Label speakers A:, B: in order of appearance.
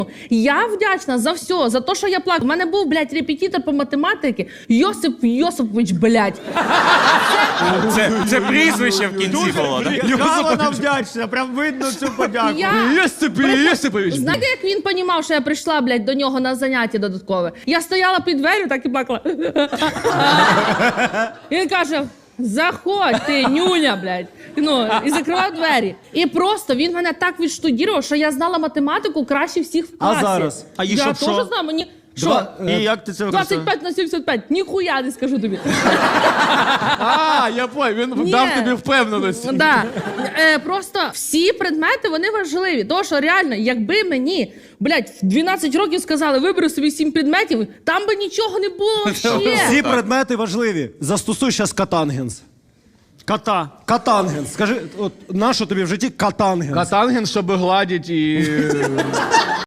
A: Я вдячна за все, за те, що я плакала. У мене був, блядь, репетитор по математиці Йосип Йосипович, блядь.
B: Це прізвище в кінці було, так?
C: Яка вона вдячна, прям видно цю подяку.
D: Йосипович.
A: Знаєте, як він понімав, що я прийшла, блядь, до нього на заняття додаткове? Я стояла під дверю, так і плакала. Він каже: заходь, ти, нюня, блядь. Ну, і закривав двері. І просто він мене так відштудірував, що я знала математику краще всіх в класі.
C: А зараз?
D: А їй
A: я
D: що,
A: теж
D: що?
A: знаю, мені... Що?
C: І як ти це використовуєш?
A: 25 на 75. Ніхуя не скажу тобі.
D: А, я понял, він
A: Ні.
D: дав тобі впевненості.
A: Да. Просто всі предмети, вони важливі. Тому що реально, якби мені, блядь, в 12 років сказали, вибери собі 7 предметів, там би нічого не було вообще.
E: Всі предмети важливі. Застосуй зараз катангенс.
C: Кота.
E: Катангенс. Скажи, от нащо тобі в житті катангенс?
D: Катанген, щоб гладить і...